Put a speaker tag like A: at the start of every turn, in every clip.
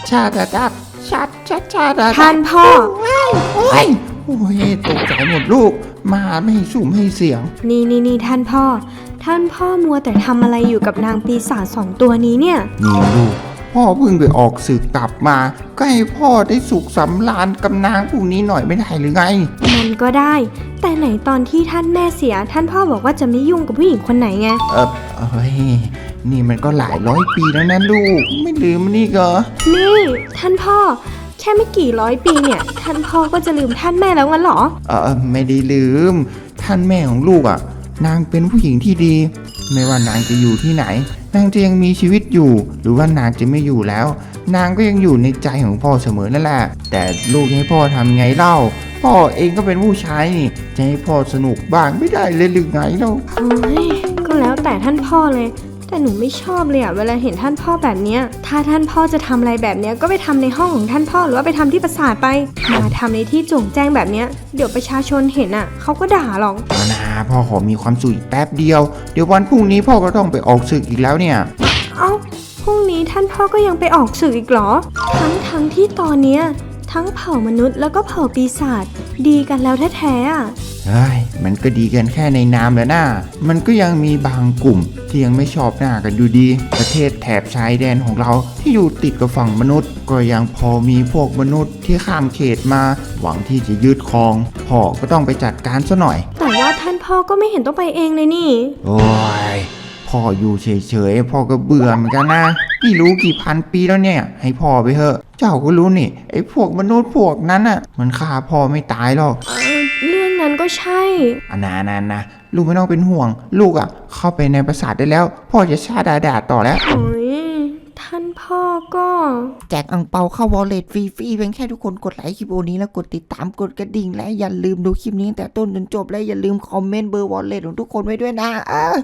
A: ชาดาดับชาดาดับ
B: ท่านพ่อ
A: โอ้ยตกใจหมดลูกมาไม่ให้สุ่มให้เสียง
B: นี่ท่านพ่อมัวแต่ทำอะไรอยู่กับนางปีศาจ2 ตัวนี้เนี่ย
A: นี่ลูกพ่อเพิ่งไปออกศึกกลับมาก็ให้พ่อได้สุขสำราญกับนางพวกนี้หน่อยไม่ได้หรือไง
B: มันก็ได้แต่ไหนตอนที่ท่านแม่เสียท่านพ่อบอกว่าจะไม่ยุ่งกับผู้หญิงคนไหนไง
A: นี่มันก็หลายร้อยปีแล้วนะลูกไม่ลืมนี่เหรอ
B: นี่ท่านพ่อแค่ไม่กี่ร้อยปีเนี่ยท่านพ่อก็จะลืมท่านแม่แล้วงั้นหรอ
A: ไม่ได้ลืมท่านแม่ของลูกอ่ะนางเป็นผู้หญิงที่ดีไม่ว่านางจะอยู่ที่ไหนนางจะยังมีชีวิตอยู่หรือว่านางจะไม่อยู่แล้วนางก็ยังอยู่ในใจของพ่อเสมอนั่นแหละแต่ลูกให้พ่อทำไงเล่าพ่อเองก็เป็นผู้ชายนี่จะให้พ่อสนุกบ้างไม่ได้เลยหรือไงเล่า
B: ก็แล้วแต่ท่านพ่อเลยแต่หนูไม่ชอบเลยอะเวลาเห็นท่านพ่อแบบเนี้ยถ้าท่านพ่อจะทำอะไรแบบเนี้ยก็ไปทำในห้องของท่านพ่อหรือว่าไปทำที่ปราสาทไปมาทำในที่โจ่งแจ้งแบบเนี้ยเดี๋ยวประชาชนเห็นอะเขาก็ด่าหรอก
A: นะพ่อขอมีความสุขแป๊บเดียวเดี๋ยววันพรุ่งนี้พ่อก็ต้องไปออกศึกอีกแล้วเนี่ย
B: พรุ่งนี้ท่านพ่อก็ยังไปออกศึกอีกเหรอทั้งที่ตอนเนี้ยทั้งเผ่ามนุษย์แล้วก็เผ่าปีศาจดีกันแล้วแท้ๆอะ
A: มันก็ดีกันแค่ในนามแล้วนะมันก็ยังมีบางกลุ่มที่ยังไม่ชอบหน้ากันอยู่ดีประเทศแถบชายแดนของเราที่อยู่ติดกับฝั่งมนุษย์ก็ยังพอมีพวกมนุษย์ที่ข้ามเขตมาหวังที่จะยึดครองพ่อก็ต้องไปจัดการซะหน่อย
B: แต่ว่าท่านพ่อก็ไม่เห็นต้องไปเองเลยนี่
A: โอ้ยพ่ออยู่เฉยๆพ่อก็เบื่อเหมือนกันนะไม่รู้กี่พันปีแล้วเนี่ยให้พ่อไปเถอะเจ้าก็รู้นี่ไอ้พวกมนุษย์พวกนั้นน่ะมันฆ่าพ่อไม่ตายหรอก
B: เรื่องนั้นก็ใช่
A: นะลูกไม่ต้องเป็นห่วงลูกอ่ะเข้าไปในปราสาทได้แล้วพ่อจะชาดาต่อแล้ว
B: ท่านพ่อก็
A: แจกอั่งเปาเข้าวอลเล็ตฟรีๆเพียงแค่ทุกคนกดไลค์คลิปนี้แล้วกดติดตามกดกระดิ่งและอย่าลืมดูคลิปนี้แต่ต้นจนจบและอย่าลืมคอมเมนต์เบอร์วอลเล็ตของทุกคนไว้ด้วยนะ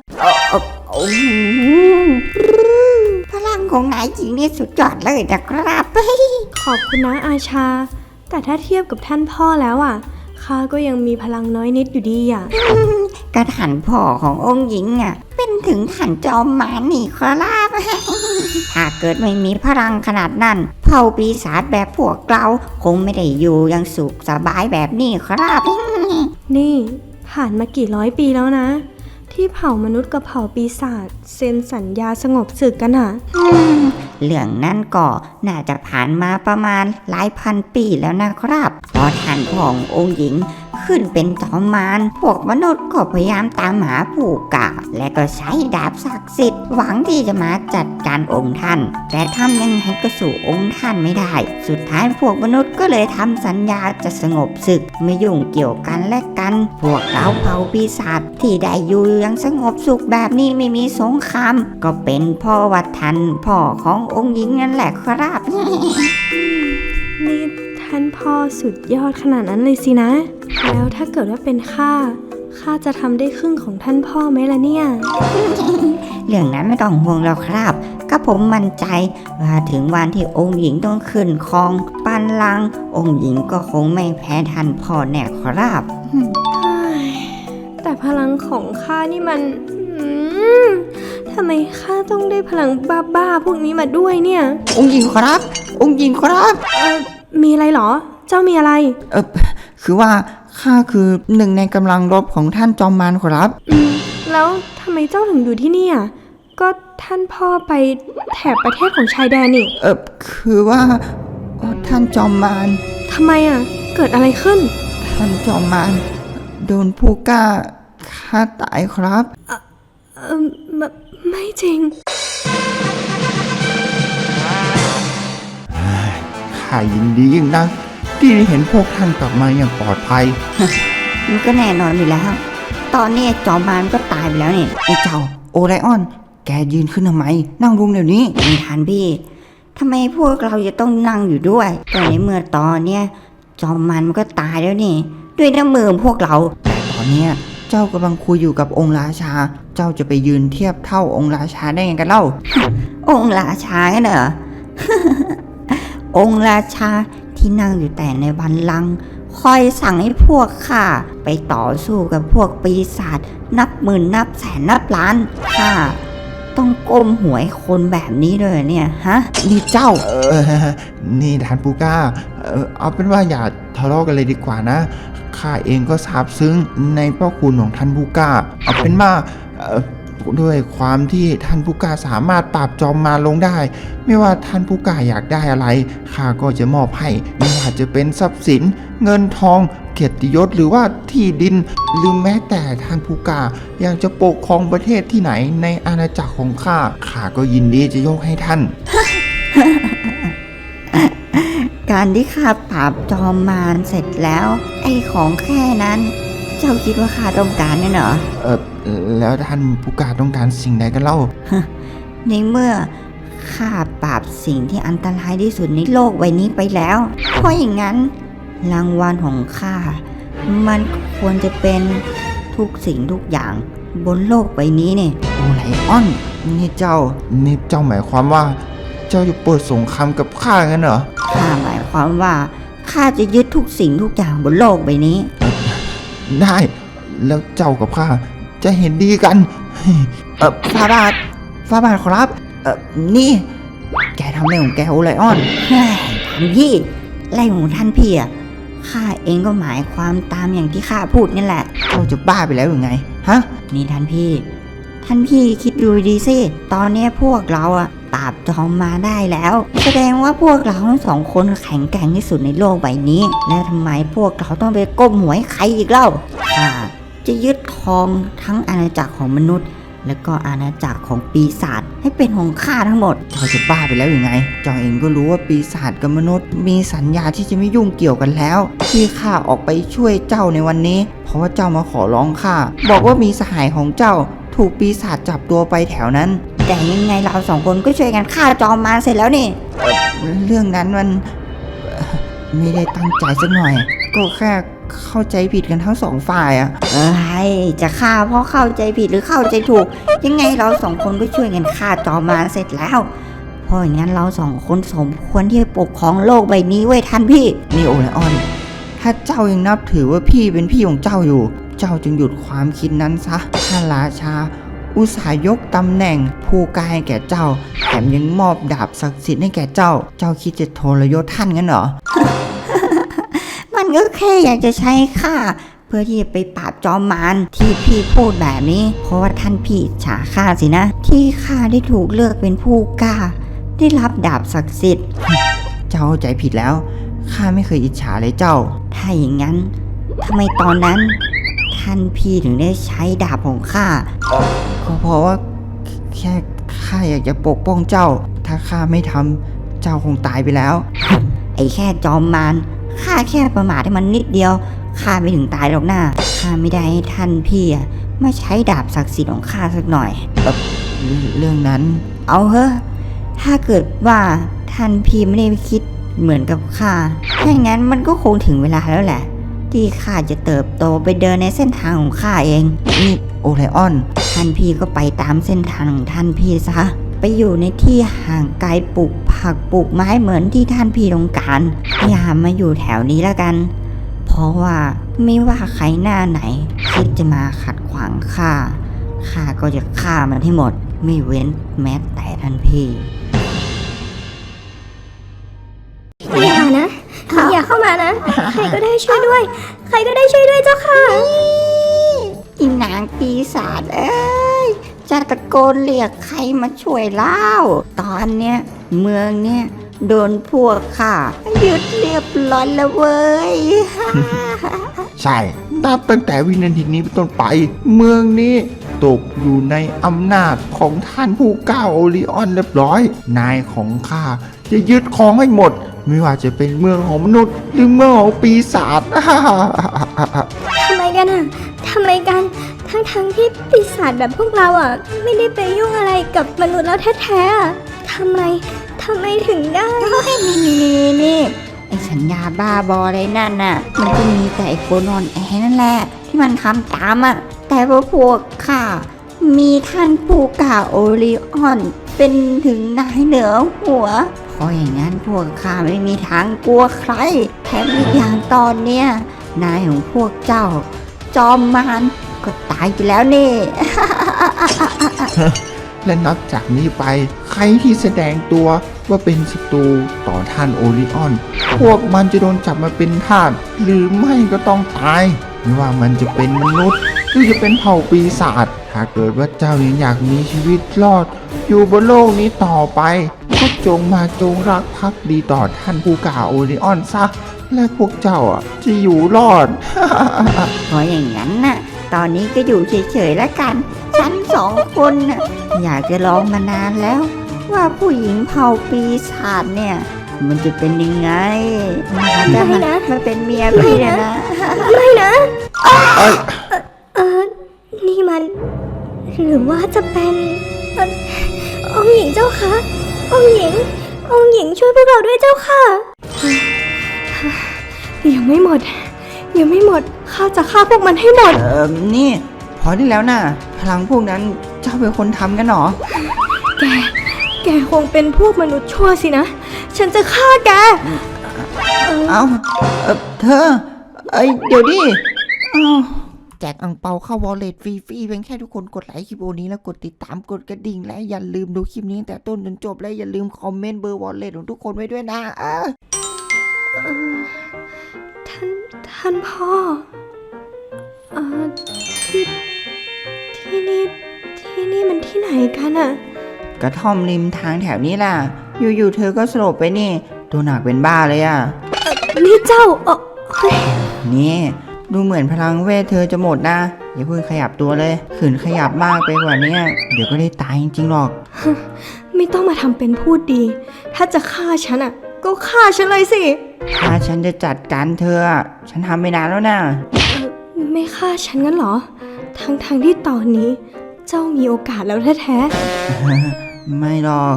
C: พลังของนายหญิงนี่สุดยอดเลยนะครับ
B: ขอบคุณนะอาชาแต่ถ้าเทียบกับท่านพ่อแล้วอ่ะข้าก็ยังมีพลังน้อยนิดอยู่ดีอ่ะ
C: กระท่านพ่อขององค์หญิงอ่ะเป็นถึงท่านจอมมารนี่ครับถ้าเกิดไม่มีพลังขนาดนั้นเผ่าปีศาจแบบพวกเราคงไม่ได้อยู่ยังสุขสบายแบบนี้ครับ
B: นี่ผ่านมากี่ร้อยปีแล้วนะที่เผ่ามนุษย์กับเผ่าปีศาจเซ็นสัญญาสงบศึกกัน
C: เรื่องนั้นก็น่าจะผ่านมาประมาณหลายพันปีแล้วนะครับพอท่านพ่อองค์หญิงขึ้นเป็นจอมมารพวกมนุษย์ก็พยายามตามหาผู้กล้าและก็ใช้ดาบศักดิ์สิทธิ์หวังที่จะมาจัดการองค์ท่านแต่ทำยังไงก็สู่องค์ท่านไม่ได้สุดท้ายพวกมนุษย์ก็เลยทำสัญญาจะสงบศึกไม่ยุ่งเกี่ยวกันและกันพวกเราเผ่าปีศาจที่ได้อยู่ยังสงบสุขแบบนี้ไม่มีสงครามก็เป็นพ่อวัดท่านพ่อขององค์หญิงนั่นแหละครับ
B: นี่ท่านพ่อสุดยอดขนาดนั้นเลยสินะแล้วถ้าเกิดว่าเป็นข้าจะทำได้ครึ่งของท่านพ่อไหมล่ะเนี่ย
C: เรื่องนั้นไม่ต้องห่วงแล้วครับก็ผมมั่นใจว่าถึงวันที่องค์หญิงต้องขึ้นครองบัลลังก์องค์หญิงก็คงไม่แพ้ท่านพ่อแน่ครับ
B: แต่พลังของข้านี่มันทำไมข้าต้องได้พลังบ้าๆพวกนี้มาด้วยเนี่ย
A: องค์หญิงครับ
B: มีอะไรหรอเจ้ามีอะไร
A: คือว่าข้าคือหนึ่งในกำลังรบของท่านจอมมารครับ
B: แล้วทำไมเจ้าถึงอยู่ที่นี่อ่ะก็ท่านพ่อไปแถบประเทศของชายแดนนี่
A: คือว่าท่านจอมมาร
B: ทำไมอ่ะเกิดอะไรขึ้น
A: ท่านจอมมารโดนผู้กล้าฆ่าตายครับ
B: ไม่จริง
A: ข้ายินดียิ่งนักที่ได้เห็นพวกท่านกลับมาอย่างปลอดภัย
C: มันก็แน่นอนอยู่แล้วตอนนี้จอมมารก็ตายไปแล้วนี่
A: ไอ้เจ้าโอไรออนแกยืนขึ้นทำไมนั่งลงเดี๋ยวนี้
C: ไม่ทันพี่ทำไมพวกเราจะต้องนั่งอยู่ด้วยก็ในเมื่อตอนเนี้ยจอมมารมันก็ตายแล้วนี่ด้วยน้ำมือพวกเรา
A: แต่ตอนเนี้ยเจ้ากำลังคุยอยู่กับองค์ราชาเจ้าจะไปยืนเทียบเท่าองค์ราชาได้ยังกันเล่า
C: องค์ราชาเหรอ องค์ราชาที่นั่งอยู่แต่ในบัลลังก์คอยสั่งให้พวกข้าไปต่อสู้กับพวกปีศาจนับหมื่นนับแสนนับล้านข้าต้องก้มหัวให้คนแบบนี้เลยเนี่ยฮะ
A: นี่เจ้านี่ท่านผู้กล้าเอาเป็นว่าอย่าทะเลาะกันเลยดีกว่านะข้าเองก็ซาบซึ้งในพระคุณของท่านผู้กล้าเอาเป็นว่าด้วยความที่ท่านผู้กล้าสามารถปราบจอมมารลงได้ ไม่ว่าท่านผู้กล้าอยากได้อะไรข้าก็จะมอบให้ไม่ว่าจะเป็นทรัพย์สินเงินทองเกียรติยศหรือว่าที่ดินหรือแม้แต่ท่านผู้กล้าอยากจะปกครองประเทศที่ไหนในอาณาจักรของข้าก็ยินดีจะยกให้ท่าน
C: การที่ข้าปราบจอมมารเสร็จแล้ว ไอ้ของแค่นั้น เจ้าคิดว่าข้าต้องการเนี่ยเหรอ
A: แล้วท่านผู้กล้าต้องการสิ่งใดกันเล่า
C: ในเมื่อข้าปราบสิ่งที่อันตรายที่สุดในโลกใบนี้ไปแล้ว เพราะอย่างนั้นรางวัลของข้ามันควรจะเป็นทุกสิ่งทุกอย่างบนโลกใบนี้เนี่ย
A: โอไลออนนี่เจ้าหมายความว่า เจ้าจะเปิดสงครามกับข้างั้นเหรอ
C: ข้าหมายความว่าข้าจะยึดทุกสิ่งทุกอย่างบนโลกใบนี้
A: ได้แล้วเจ้ากับข้าจะเห็นดีกันฟาบาทครับนี่ แกทำอะไรของแกโอไลออน
C: เฮ้ยท่านพี่ไรของท่านพี่อ่ะข้าเองก็หมายความตามอย่างที่ข้าพูดนี่แหละ
A: เจ้าจะบ้าไปแล้วหรือไงฮะ
C: นี่ท่านพี่คิดดูดีสิตอนนี้พวกเราอ่ะปราบจอมมาได้แล้ว แสดงว่าพวกเราทั้งสองคนแข็งแกร่งที่สุดในโลกใบนี้แล้วทำไมพวกเราต้องไปก้มหัวให้ใครอีกเล่าข้าจะยึดครองทั้งอาณาจักรของมนุษย์ และก็อาณาจักรของปีศาจให้เป็นของข้าทั้งหมด
A: เจ้าจะบ้าไปแล้วหรือไงเจ้าเองก็รู้ว่าปีศาจกับมนุษย์มีสัญญาที่จะไม่ยุ่งเกี่ยวกันแล้ว ที่ข้าออกไปช่วยเจ้าในวันนี้ เพราะว่าเจ้ามาขอร้องข้าบอกว่ามีสหายของเจ้าถูกปีศาจจับตัวไปแถวนั้น
C: แต่ยังไงเราสองคนก็ช่วยกันฆ่าจอมมารเสร็จแล้วนี่
A: เรื่องนั้นมันไม่ได้ตั้งใจสักหน่อย ก็แค่เข้าใจผิดกันทั้งสองฝ่ายอะ
C: จะฆ่าเพราะเข้าใจผิดหรือเข้าใจถูก ยังไงเราสองคนก็ช่วยกันฆ่าจอมมารเสร็จแล้ว เพราะอย่างนั้นเราสองคนสมควรที่จะปกครองโลกใบนี้ไว้ท่านพี่
A: นี่โอไลออน ถ้าเจ้ายังนับถือว่าพี่เป็นพี่ของเจ้าอยู่ เจ้าจึงหยุดความคิดนั้นซะท่านราชา อุตส่าห์ยกตำแหน่งผู้กล้าให้แก่เจ้า แถมยังมอบดาบศักดิ์สิทธิ์ให้แก่เจ้า เจ้าคิดจะทรยศท่านงั้นเหรอ
C: มันก็แค่อยากจะใช้ข้าเพื่อที่จะไปปราบจอมมารที่พี่พูดแบบนี้ เพราะว่าท่านพี่ฉาข้าสินะ ที่ข้าได้ถูกเลือกเป็นผู้กล้า ได้รับดาบศักดิ์สิทธิ์
A: เจ้าเข้าใจผิดแล้ว ข้าไม่เคยอิจฉาเลยเจ้า
C: ถ้าอย่างนั้นทำไมตอนนั้น ท่านพี่ถึงได้ใช้ดาบของข้า
A: ก็เพราะว่าแค่ข้าอยากจะปกป้องเจ้า ถ้าข้าไม่ทำเจ้าคงตายไปแล้ว
C: ไอ้แค่จอมมารข้าแค่ประมาทให้มันนิดเดียวข้าไม่ถึงตายหรอกนะข้าไม่ได้ให้ท่านพี่อะมาใช้ดาบศักดิ์สิทธิ์ของข้าสักหน่อย
A: เรื่องนั้น
C: เอาเถอะถ้าเกิดว่าท่านพี่ไม่ได้คิดเหมือนกับข้าถ้าอย่างนั้นมันก็คงถึงเวลาแล้วแหละ ที่ข้าจะเติบโตไปเดินในเส้นทางของข้าเอง
A: นี่โอไลออน
C: ท่านพี่ก็ไปตามเส้นทางของท่านพี่ซะ ไปอยู่ในที่ห่างไกลปลูกผักปลูกไม้เหมือนที่ท่านพี่ต้องการอย่ามาอยู่แถวนี้แล้วกัน เพราะว่าไม่ว่าใครหน้าไหนคิดจะมาขัดขวางข้าก็จะฆ่ามันให้หมด ไม่เว้นแม้แต่ท่านพี่
B: อย่านะ อย่าเข้ามานะ ใครก็ได้ช่วยด้วย ใครก็ได้ช่วยด้วยเจ้าค่ะ
C: อีนางปีศาจเอ้ยจะตะโกนเรียกใครมาช่วยเล่า ตอนเนี้ยเมืองเนี้ยโดนพวกข้ายึดเรียบร้อยแล้วเว้ย
A: ใช่นับตั้งแต่วินาทีนี้เป็นต้นไป เมืองนี้ตกอยู่ในอำนาจของท่านผู้กล้าโอริออนเรียบร้อย นายของข้าจะยึดครองให้หมด ไม่ว่าจะเป็นเมืองของมนุษย์หรือเมืองของปีศาจ
B: ทำไมกันอ่ะทำไมกัน ทั้งที่ปีศาจแบบพวกเราอ่ะ ไม่ได้ไปยุ่งอะไรกับมนุษย์แล้วแท้ๆอ่ะทำไมถึงได้
C: นี่ไอ้สัญญาบ้าบออะไรนั่นน่ะ มันก็มีแต่ไอ้คนอ่อนแอนั่นแหละ ที่มันทำตามอ่ะ แต่ว่าพวกข้ามีท่านผู้กล้าโอริออน เป็นถึงนายเหนือหัว เพราะอย่างนั้นพวกข้าไม่มีทางกลัวใคร แถมอีกอย่างตอนเนี้ยนายของพวกเจ้า จอมมารก็ตายไปแล้วนี่
A: และนับจากนี้ไปใครที่แสดงตัวว่าเป็นศัตรูต่อท่านโอริออน พวกมันจะโดนจับมาเป็นทาสหรือไม่ก็ต้องตายไม่ว่ามันจะเป็นมนุษย์หรือจะเป็นเผ่าปีศาจถ้าเกิดว่าเจ้ายังอยากมีชีวิตรอด อยู่บนโลกนี้ต่อไปก็จงมาจงรักภักดีต่อท่านผู้กล้าโอริออนซะและพวกเจ้าจะอยู่รอด
C: เพราะอย่างนั้นน่ะ ตอนนี้ก็อยู่เฉยๆแล้วกัน ฉันสองคนน่ะอยากจะลองมานานแล้ว ว่าผู้หญิงเผ่าปีศาจเนี่ย มันจะเป็นยังไงมันจะมาเป็นเมียพี่เนี่ยนะ
B: ไม่นะ
A: เอ้ย
B: นี่มัน หรือว่าจะเป็นองค์หญิงเจ้าคะองค์หญิงช่วยพวกเราด้วยเจ้าค่ะ ยังไม่หมดข้าจะฆ่าพวกมันให้หมด
D: นี่พอได้แล้วนะพลังพวกนั้นเจ้าเป็นคนทำกันเหรอ
B: แกคงเป็นพวกมนุษย์ชั่วสินะ ฉันจะฆ่าแก
D: เอาเธอเดี๋ยวดิเอา
E: แจกอังเปาเข้าวอลเล็ตฟรีๆเพียงแค่ทุกคนกดไลค์คลิปโอนี้แล้วกดติดตามกดกระดิ่งและอย่าลืมดูคลิปนี้ตั้งแต่ต้นจนจบและอย่าลืมคอมเมนต์เบอร์วอลเล็ตของทุกคนไว้ด้วยนะ
B: ท่านพ่อที่นี่มันที่ไหนกันอะ
D: กระท่อมริมทางแถวนี้ล่ะ อยู่ๆเธอก็สลบไปนี่ ตัวหนักเป็นบ้าเลยอ่ะ
B: นี่เจ้าเฮ้ย
D: นี่ดูเหมือนพลังเวทเธอจะหมดนะ อย่าเพิ่งขยับตัวเลยขืนขยับมากไปกว่านี้เดี๋ยวก็ได้ตายจริงๆหรอก
B: ไม่ต้องมาทำเป็นพูดดี ถ้าจะฆ่าฉันอะก็ฆ่าฉันเลยสิ
D: ถ้าฉันจะจัดการเธอฉันทำไม่นานแล้วนะ
B: ไม่ฆ่าฉันงั้นเหรอ ทั้งที่ตอนนี้ เจ้ามีโอกาสแล้วแท้
D: ไม่หรอก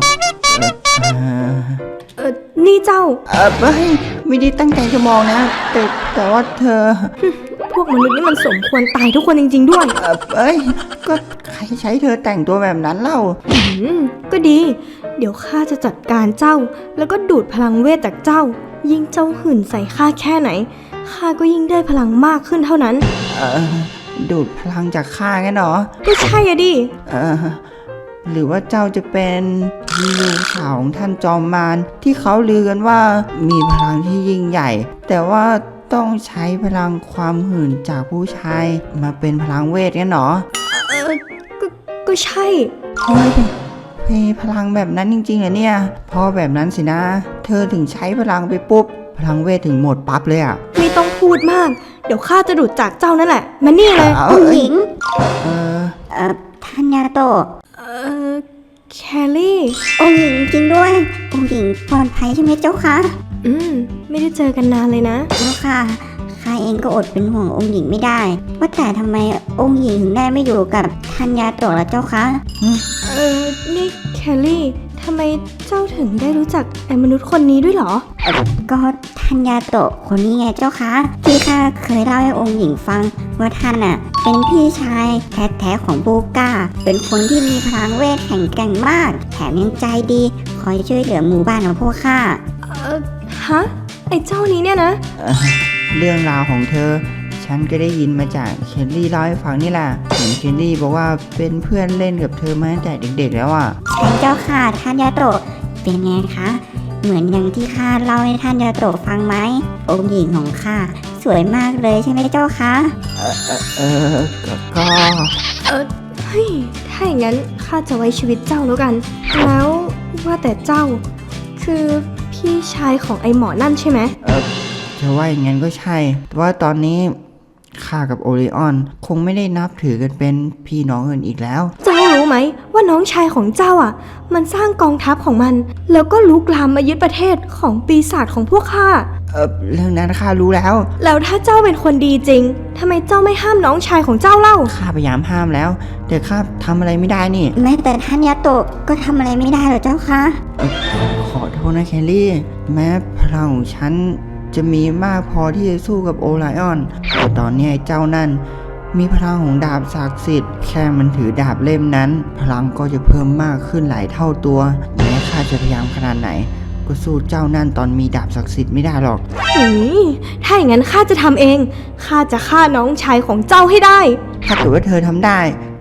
B: นี่เจ้า
D: ไม่ได้ตั้งใจจะมองนะ แต่ว่าเธอ
B: พวกมนุษย์นี่มันสมควรตายทุกคนจริงๆด้วย
D: ก็ใครใช้เธอแต่งตัวแบบนั้นเล่า
B: ก็ดี เดี๋ยวข้าจะจัดการเจ้า แล้วก็ดูดพลังเวทจากเจ้า ยิ่งเจ้าหื่นใส่ข้าแค่ไหนข้าก็ยิ่งได้พลังมากขึ้นเท่านั้น
D: ดูดพลังจากข้างั้นเหรอ
B: ก็ใช่อะดิ
D: หรือว่าเจ้าจะเป็นลูกสาวของท่านจอมมารที่เขาลือกันว่ามีพลังที่ยิ่งใหญ่ แต่ว่าต้องใช้พลังความหื่นจากผู้ชายมาเป็นพลังเวทงั้นเหรอ
B: ก็ใช่
D: เฮ้ยมีพลังแบบนั้นจริงๆเหรอเนี่ยพอแบบนั้นสินะ เธอถึงใช้พลังไปปุ๊บพลังเวทถึงหมดปั๊บเลยอ่ะ
B: ไม่ต้องพูดมาก เดี๋ยวข้าจะดูดจากเจ้านั่นแหละ มานี่เลย
C: องค์หญิง
E: ท่านยาโตะ
B: แคลรี่
E: องค์หญิงจริงด้วยองค์หญิงปลอดภัยใช่ไหมเจ้าคะ
B: ไม่ได้เจอกันนานเลยนะ
E: เจ้าค่ะข้าเองก็อดเป็นห่วงองค์หญิงไม่ได้ ว่าแต่ทำไมองค์หญิงถึงได้ไม่อยู่กับท่านยาโตะล่ะเจ้าคะ
B: นี่แคลรี่ทำไมเจ้าถึงได้รู้จักไอ้มนุษย์คนนี้ด้วยเหรอ
E: ก็ท่านยาโตะคนนี้ไงเจ้าคะที่ข้าเคยเล่าให้องค์หญิงฟังว่าท่านเป็นพี่ชายแท้ๆของบูก้าเป็นคนที่มีพลังเวทแข็งแกร่งมากแถมยังใจดีคอยช่วยเหลือหมู่บ้านของพวกข้า
B: ฮะ ไอ้เจ้านี้เนี่ยนะ
D: เรื่องราวของเธอ ฉันก็ได้ยินมาจากเคลลี่เล่าให้ฟังนี่แหละเห็นเคลลี่บอกว่าเป็นเพื่อนเล่นกับเธอมาตั้งแต่เด็กๆแล้วอ่ะ
E: ใช่เจ้าค่ะท่านยาโตะเป็นไงคะเหมือนอย่างที่ข้าเล่าให้ท่านยาโตะฟังไหมองค์หญิงของข้าสวยมากเลยใช่ไหมเจ้าคะ
D: ก็
B: เฮ้ย ถ้าอย่างนั้นข้าจะไว้ชีวิตเจ้าแล้วกัน แล้วว่าแต่เจ้า คือพี่ชายของไอ้หมอนั่นใช่ไหม
D: จะว่าอย่างนั้นก็ใช่ แต่ว่าตอนนี้ข้ากับโอริออนคงไม่ได้นับถือกันเป็นพี่น้องกันอีกแล้ว
B: เจ้ารู้ไหมว่าน้องชายของเจ้ามันสร้างกองทัพของมัน แล้วก็ลุกลามมายึดประเทศของปีศาจของพวกข้า
D: เรื่องนั้นข้ารู้แล้ว
B: แล้วถ้าเจ้าเป็นคนดีจริงทำไมเจ้าไม่ห้ามน้องชายของเจ้าเล่า
D: ข้าพยายามห้ามแล้ว แต่ข้าทำอะไรไม่ได้นี่
E: แม้แต่ท่านยาโตะก็ทำอะไรไม่ได้หรอกเจ้าคะ
D: ขอโทษนะแคลรี่ แม้พลังของฉันจะมีมากพอที่จะสู้กับโอไลออนแต่ตอนนี้ไอ้เจ้านั่นมีพลังของดาบศักดิ์สิทธิ์แค่มันถือดาบเล่มนั้น พลังก็จะเพิ่มมากขึ้นหลายเท่าตัว แม้ข้าจะพยายามขนาดไหน ก็สู้เจ้านั่นตอนมีดาบศักดิ์สิทธิ์ไม่ได้หรอก
B: ถ้าอย่างนั้นข้าจะทำเอง ข้าจะฆ่าน้องชายของเจ้าให้ได้
D: ถ้าเกิดว่าเธอทำได้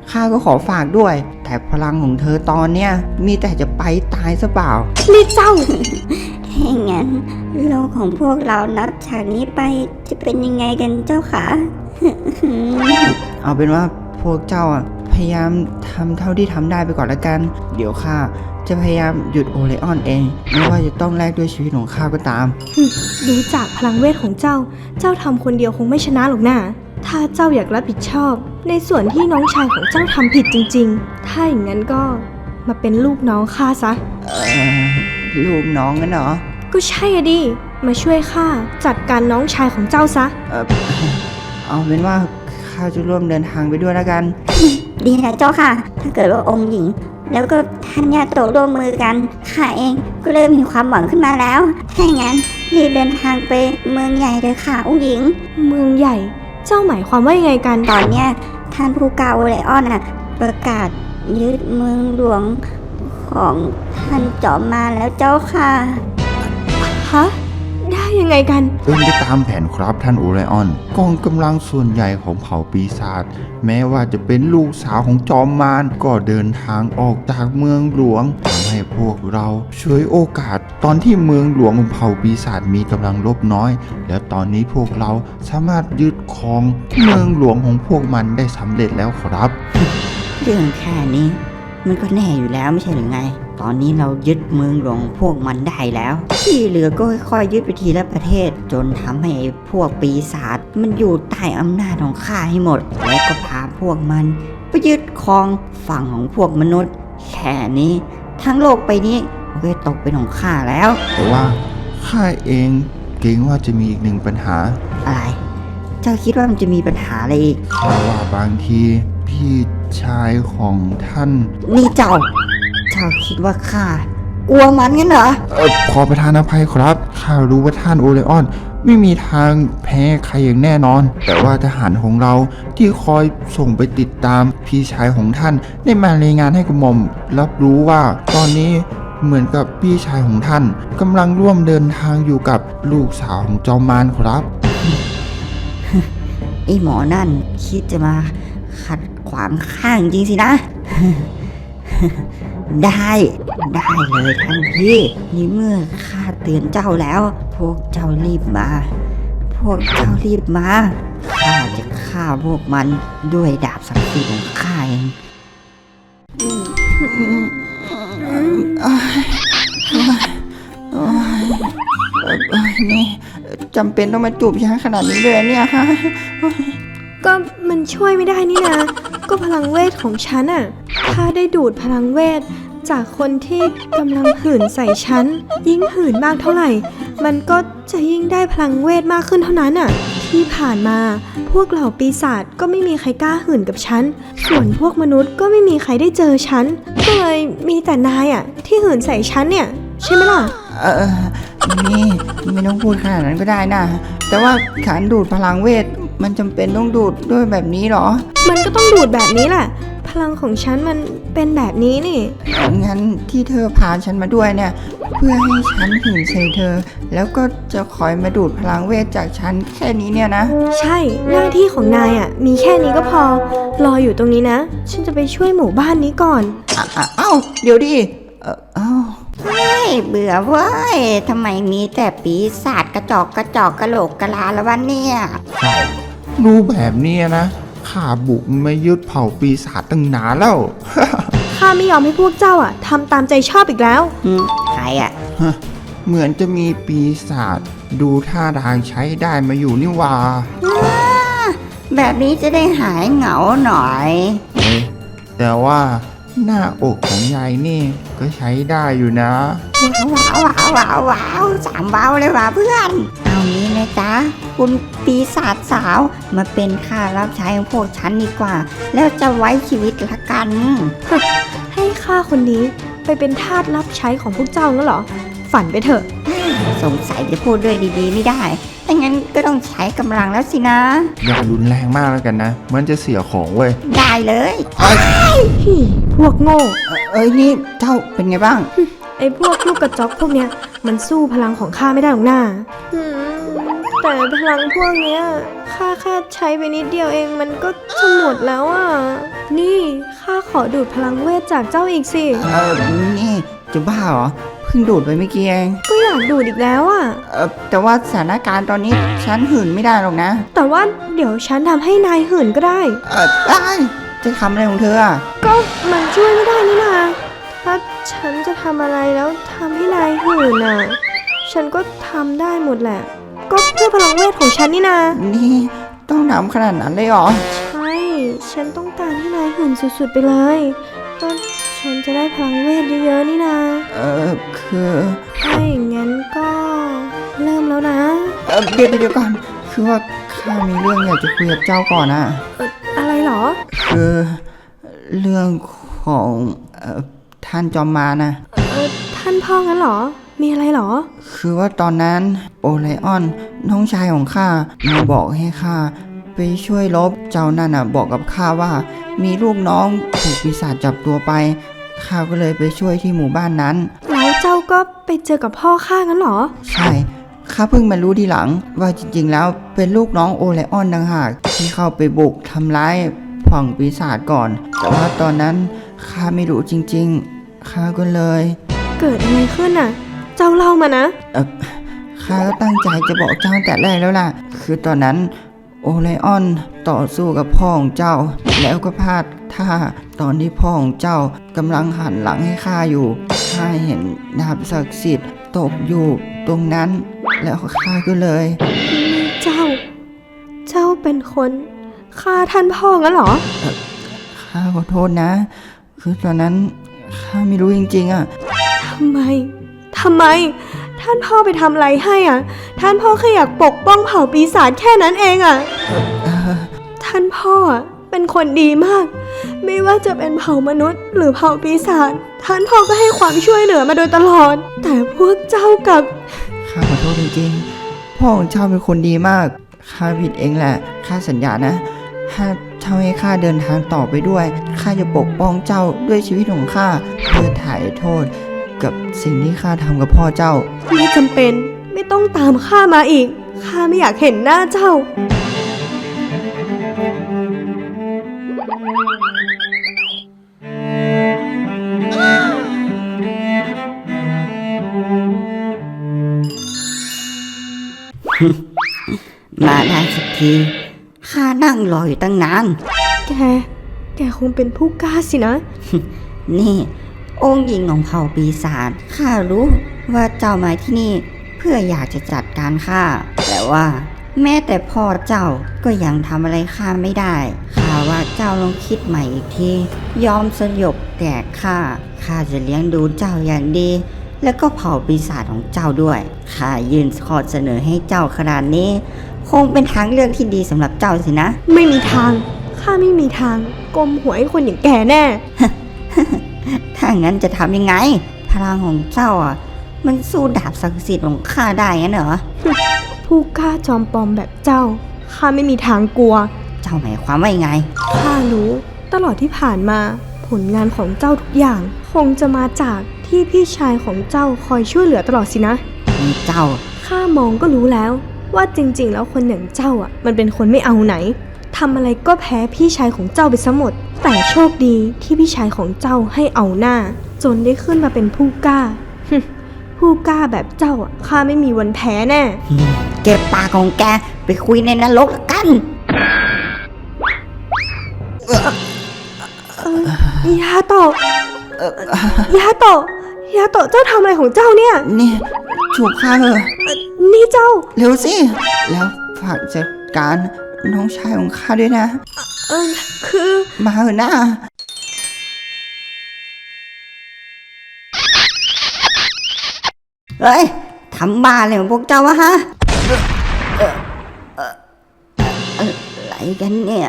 D: ข้าก็ขอฝากด้วย แต่พลังของเธอตอนเนี้ยมีแต่จะไปตายซะเปล่า
B: นี่เจ้า
E: ถ้างั้นโลกของพวกเรานับจากนี้ไปจะเป็นยังไงกันเจ้าคะ
D: เอาเป็นว่าพวกเจ้าอะพยายามทำเท่าที่ทำได้ไปก่อนละกัน เดี๋ยวข้าจะพยายามหยุดโอเลออนเอง ไม่ว่าจะต้องแลกด้วยชีวิตของข้าก็ตาม
B: ดูจากพลังเวทของเจ้า เจ้าทำคนเดียวคงไม่ชนะหรอกนะถ้าเจ้าอยากรับผิดชอบ ในส่วนที่น้องชายของเจ้าทำผิดจริงๆ ถ้าอย่างนั้นก็มาเป็นลูกน้องข้าซะ
D: ลูกน้องกันเหรอ
B: ก็ใช่อะดิ มาช่วยข้าจัดการน้องชายของเจ้าซะ
D: เอาเป็นว่าข้าจะร่วมเดินทางไปด้วยแล้วกัน
E: ดีนะเจ้าค่ะ ถ้าเกิดว่าองค์หญิง แล้วก็ท่านญาโตะร่วมมือกันข้าเองก็เริ่มมีความหวังขึ้นมาแล้ว ถ้าอย่างนั้นรีบเดินทางไปเมืองใหญ่เลยค่ะองค์หญิง
B: เมืองใหญ่ เจ้าหมายความว่ายังไงกัน
E: ตอนเนี้ยท่านผู้กาโอไลออนประกาศยึดเมืองหลวงของท่านจอมมารแล้วเจ้าค่ะ
B: ฮะ ได้ยังไงกัน
A: เป็นไปตามแผนครับท่านโอไรออนกองกำลังส่วนใหญ่ของเผ่าปีศาจแม้ว่าจะเป็นลูกสาวของจอมมารก็เดินทางออกจากเมืองหลวงทำให้พวกเราช่วยโอกาสตอนที่เมืองหลวงของเผ่าปีศาจมีกำลังลบน้อย แล้วตอนนี้พวกเราสามารถยึดครองเมืองหลวงของพวกมันได้สำเร็จแล้วครับ
C: เรื่องแค่นี้มันก็แน่อยู่แล้วไม่ใช่หรือไง ตอนนี้เรายึดเมืองหลวงพวกมันได้แล้ว ที่เหลือก็ค่อยๆยึดไปทีละประเทศ จนทำให้ไอ้พวกปีศาจมันอยู่ใต้อำนาจของข้าให้หมด และก็พาพวกมันไปยึดครองฝั่งของพวกมนุษย์ แค่นี้ทั้งโลกไปนี้มันก็ตกเป็นของข้าแล้ว
A: แต่ว่าข้าเองเกรงว่าจะมีอีกหนึ่งปัญหา
C: อะไร เจ้าคิดว่ามันจะมีปัญหาอะไรอีก
A: เพราะว่าบางทีพี่ชายของท่าน
C: นี่เจ้าคิดว่าข้ากลัวมันงั้นเหรอ
A: ขอประทานอภัยครับ ข้ารู้ว่าท่านโอเลออน ไม่มีทางแพ้ใครอย่างแน่นอน แต่ว่าทหารของเราที่คอยส่งไปติดตามพี่ชายของท่านได้มารายงานให้กระหม่อมรับรู้ว่าตอนนี้เหมือนกับพี่ชายของท่านกำลังร่วมเดินทางอยู่กับลูกสาวของจอมมารครับ
C: ไอ้หมอนั่นคิดจะมาขัดขวางข้างจริงสินะ ได้เลยท่านพี่นี่เมื่อข้าเตือนเจ้าแล้ว พวกเจ้ารีบมาข้าจะฆ่าพวกมันด้วยดาบศักดิ์สิทธิ์ของข้าเอง
D: นี่จำเป็นต้องมาจูบฉันขนาดนี้เลยเนี่ยฮะ
B: ก็มันช่วยไม่ได้นี่นะ ก็พลังเวทของฉันอะถ้าได้ดูดพลังเวทจากคนที่กำลังหื่นใส่ฉัน ยิ่งหื่นมากเท่าไหร่ มันก็จะยิ่งได้พลังเวทมากขึ้นเท่านั้นอะที่ผ่านมาพวกเหล่าปีศาจก็ไม่มีใครกล้าหื่นกับฉัน ส่วนพวกมนุษย์ก็ไม่มีใครได้เจอฉัน ก็เลยมีแต่นายอะที่หื่นใส่ฉันเนี่ยใช่ไหมล่ะ
D: นี่ไม่ต้องพูดขนาดนั้นก็ได้นะ แต่ว่าการดูดพลังเวทมันจำเป็นต้องดูดด้วยแบบนี้เหรอ
B: มันก็ต้องดูดแบบนี้แหละ พลังของฉันมันเป็นแบบนี้นี่
D: งั้นที่เธอพาฉันมาด้วยเนี่ย เพื่อให้ฉันหื่นใส่เธอ แล้วก็จะคอยมาดูดพลังเวทจากฉันแค่นี้เนี่ยนะ
B: ใช่ หน้าที่ของนายอ่ะ มีแค่นี้ก็พอ รออยู่ตรงนี้นะ ฉันจะไปช่วยหมู่บ้านนี้ก่อน
D: เอ้าเดี๋ยวดิเอ้า
C: เบื่อเว้ยทำไมมีแต่ปีศาจกระจอกกะโหลกกะลาละวันเนี่ย
A: รู้แบบนี้นะข้าบุกมายึดเผ่าปีศาจตั้งนานแล้ว
B: ข้าไม่ยอมให้พวกเจ้าอ่ะทำตามใจชอบอีกแล้ว
C: ใครอะ
A: เหมือนจะมีปีศาจดูท่าทางใช้ได้มาอยู่นี่หว่า
C: แบบนี้จะได้หายเหงาหน่อย
A: แต่ว่าหน้าอกของยายนี่ก็ใช้ได้อยู่นะ
C: ว้าวสามว้าวเลยว่ะเพื่อน เอางี้นะจ๊ะ คุณปีศาจสาวมาเป็นข้ารับใช้ของพวกฉันดีกว่า แล้วจะไว้ชีวิตละกัน
B: ให้ข้าคนนี้ไปเป็นทาสรับใช้ของพวกเจ้างั้นเหรอ ฝันไปเถอะ
C: สงสัยจะพูดด้วยดีๆไม่ได้ถ้างั้นก็ต้องใช้กำลังแล้วสินะ
A: อย่ารุนแรงมากแล้วกันนะ มันจะเสียของเว้ย
C: ได้เลย
B: พวกโง่
D: นี่เจ้าเป็นไงบ้าง
B: ไอ้พวกลูกกระจอกพวกเนี้ยมันสู้พลังของข้าไม่ได้หรอกน้าแต่พลังพวกเนี้ยข้าแค่ใช้ไปนิดเดียวเองมันก็จะหมดแล้วอ่ะ นี่ข้าขอดูดพลังเวทจากเจ้าอีกสิ
D: นี่จะบ้าเหรอ เพิ่งดูดไปเมื่อกี้เอง
B: ก็อยากดูดอีกแล้วอ่ะ
D: แต่ว่าสถานการณ์ตอนนี้ฉันหื่นไม่ได้หรอกนะ
B: แต่ว่าเดี๋ยวฉันทำให้นายหื่นก็ได้
D: ได้จะทำอะไรของเธออ่ะ
B: ก็มันช่วยไม่ได้นี่นาถ้าฉันจะทำอะไรแล้วทำให้นายหื่นน่ะ ฉันก็ทำได้หมดแหละ ก็เพื่อพลังเวทของฉันนี่นา
D: นี่ต้องทำขนาดนั้นเลยเหรอ
B: ใช่ ฉันต้องการให้นายหื่นสุดๆไปเลยก็ฉันจะได้พลังเวทเยอะๆนี่นา
D: คือ
B: ถ้าอย่างงั้นก็เริ่มแล้วนะ
D: เดี๋ยวก่อน คือว่าข้ามีเรื่องอยากจะคุยกับเจ้าก่อนอ่ะ
B: อะไรเหรอ
D: คือเรื่องของท่านจอมมารนะ
B: ท่านพ่องั้นเหรอ มีอะไรเหรอ
D: คือว่าตอนนั้นโอไลออนน้องชายของข้ามาบอกให้ข้าไปช่วยรบเจ้านั่นน่ะบอกกับข้าว่า มีลูกน้องถูกปีศาจจับตัวไปข้าก็เลยไปช่วยที่หมู่บ้านนั้น
B: แล้วเจ้าก็ไปเจอกับพ่อข้างั้นเหรอ
D: ใช่ข้าเพิ่งมารู้ทีหลังว่าจริงๆแล้วเป็นลูกน้องโอไลออนต่างหากที่เข้าไปบุกทำร้ายฝั่งปีศาจก่อน แต่ว่าตอนนั้นข้าไม่รู้จริงๆข้าก็เลย
B: เกิดอะไรขึ้นน่ะ เจ้าเล่ามานะ
D: ข้าก็ตั้งใจจะบอกเจ้าแต่แรกแล้วล่ะ คือตอนนั้นโอไลออนต่อสู้กับพ่อของเจ้า แล้วก็พลาดท่าตอนที่พ่อของเจ้ากำลังหันหลังให้ข้าอยู่ข้าเห็นดาบศักดิ์สิทธิ์ตกอยู่ตรงนั้น แล้วข้าก็เลย
B: เจ้าเป็นคนฆ่าท่านพ่องั้นเหรอ
D: ข้าขอโทษนะ คือตอนนั้นข้าไม่รู้จริงๆอ่ะ
B: ทำไม ท่านพ่อไปทำอะไรให้อ่ะ ท่านพ่อแค่อยากปกป้องเผ่าปีศาจแค่นั้นเองอ่ะ ท่านพ่อเป็นคนดีมาก ไม่ว่าจะเป็นเผ่ามนุษย์ หรือเผ่าปีศาจ ท่านพ่อก็ให้ความช่วยเหลือมาโดยตลอด แต่พวกเจ้ากับ
D: ข้าขอโทษจริงๆ พ่อของเจ้าเป็นคนดีมาก ข้าผิดเองแหละ ข้าสัญญานะ ถ้าเจ้าให้ข้าเดินทางต่อไปด้วย ข้าจะปกป้องเจ้าด้วยชีวิตของข้าเพื่อถ่ายโทษกับสิ่งที่ข้าทำกับพ่อเจ้า
B: ไม่จำเป็น ไม่ต้องตามข้ามาอีก ข้าไม่อยากเห็นหน้าเจ้า
C: มาได้สักทีข้านั่งรออยู่ตั้งนาน
B: แกคงเป็นผู้กล้าสินะ
C: นี่องค์หญิงของเผ่าปีศาจข้ารู้ว่าเจ้ามาที่นี่เพื่ออยากจะจัดการข้าแต่ว่าแม้แต่พ่อเจ้าก็ยังทำอะไรข้าไม่ได้ข้าว่าเจ้าลองคิดใหม่อีกทียอมสยบแก่ข้าจะเลี้ยงดูเจ้าอย่างดี แล้วก็เผ่าปีศาจของเจ้าด้วยข้ายื่นข้อเสนอให้เจ้าขนาดนี้ คงเป็นทางเลือกที่ดีสำหรับเจ้าสินะ
B: ไม่มีทาง ข้าไม่มีทางกลมหัวให้คนอย่างแกแน่
C: ถ้างั้นจะทำยังไง พลังของเจ้าอ่ะ มันสู้ดาบศักดิ์สิทธิ์ของข้าได้งั้นเหรอ
B: ผู้กล้าจอมปลอมแบบเจ้า ข้าไม่มีทางกลัว
C: เจ้าหมายความว่ายังไง
B: ข้ารู้ตลอดที่ผ่านมา ผลงานของเจ้าทุกอย่าง คงจะมาจากที่พี่ชายของเจ้าคอยช่วยเหลือตลอดสินะ
C: มีเจ้า
B: ข้ามองก็รู้แล้ว ว่าจริงๆ แล้วคนอย่างเจ้าอ่ะ มันเป็นคนไม่เอาไหนทำอะไรก็แพ้พี่ชายของเจ้าไปซะหมด แต่โชคดีที่พี่ชายของเจ้าให้เอาหน้า จนได้ขึ้นมาเป็นผู้กล้า ผู้กล้าแบบเจ้าอ่ะข้าไม่มีวันแพ้แน่
C: เก็บปากของแกไปคุยในนรกกัน
B: ยาโตะยาโตะเจ้าทำอะไรของเจ้าเนี่ย
D: นี่จูบข้าเถอะ
B: นี่เจ้า
D: เร็วสิ แล้วฝากจัดการน้องชายของข้าด้วยนะ
B: คือ
D: มาเถอะนะ
C: เฮ้ย ทำบ้าอะไรของพวกเจ้าวะฮะ อะไรกันเนี่ย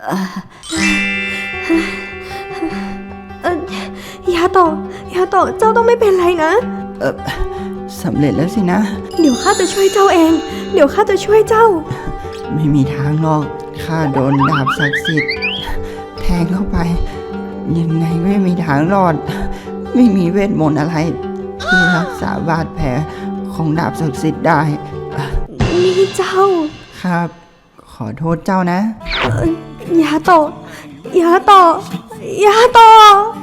B: ยาโตะเจ้าต้องไม่เป็นไรนะ
D: สำเร็จแล้วสินะ
B: เดี๋ยวข้าจะช่วยเจ้าเอง เดี๋ยวข้าจะช่วยเจ้า
D: ไม่มีทางหรอก ข้าโดนดาบศักดิ์สิทธิ์แทงเข้าไป ยังไงไม่มีทางรอด ไม่มีเวทมนต์อะไร ที่รักษาบาดแผลของดาบศักดิ์สิทธิ์ได้
B: นี่เจ้า
D: ครับ ขอโทษเจ้านะ
B: ยาโตะยาโตะยาโตะ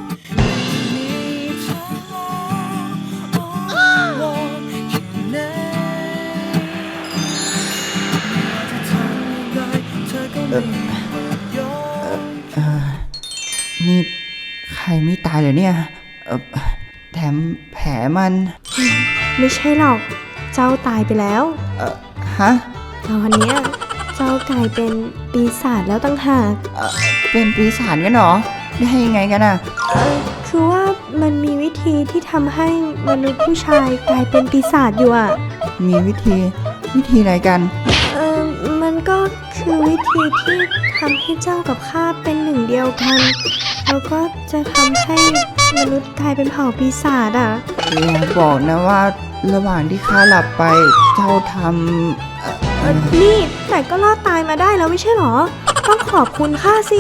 D: นี่ใครไม่ตายเหรอเนี่ยแถมแผลมัน
B: ไม่ใช่หรอก เจ้าตายไปแล้ว
D: ฮะ
B: ตอนเนี้ยเจ้ากลายเป็นปีศาจแล้วตั้งหาก
D: เป็นปีศาจกันเหรอ ได้ยังไงกันอ่ะ
B: คือว่ามันมีวิธีที่ทำให้มนุษย์ผู้ชายกลายเป็นปีศาจอยู่อ่ะ
D: มีวิธีอะไรกัน
B: มันก็คือวิธีที่ทำให้เจ้ากับข้าเป็นหนึ่งเดียวกัน แล้วก็จะทำให้มนุษย์กลายเป็นเผ่าปีศาจอ่ะ
D: อย่าบอกนะว่าระหว่างที่ข้าหลับไปเจ้าท
B: นี่แต่ก็รอดตายมาได้แล้วไม่ใช่หรอ ต้องขอบคุณข้าสิ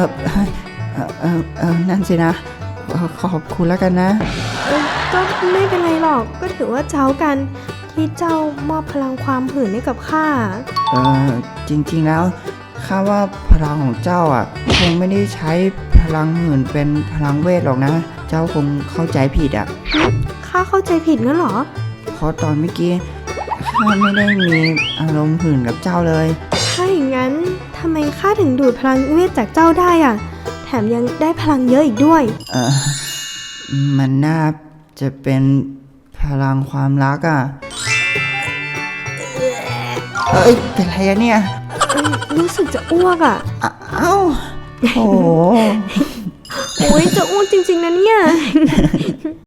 D: นั่นสินะ ขอบคุณแล้วกันนะ
B: ก็ไม่เป็นไรหรอก ก็ถือว่าเจ้ากันที่เจ้ามอบพลังความหื่นให้กับข้า
D: จริงๆแล้วข้าว่าพลังของเจ้าอ่ะคงไม่ได้ใช้พลังหื่นเป็นพลังเวทหรอกนะ เจ้าคงเข้าใจผิดอ่ะ
B: ข้าเข้าใจผิดงั้นเหรอ
D: เพราะตอนเมื่อกี้ข้าไม่ได้มีอารมณ์หื่นกับเจ้าเลย
B: ถ้าอย่างนั้นทำไมข้าถึงดูดพลังเวทจากเจ้าได้อ่ะ แถมยังได้พลังเยอะอีกด้วย
D: มันน่าจะเป็นพลังความรักอ่ะ เป็นไรอะเนี่ย
B: รู้สึกจะอ้วกอ่ะ
D: เอ้าโอ้โห
B: โอ้ยจะอ้วกจริงๆนะเนี่ย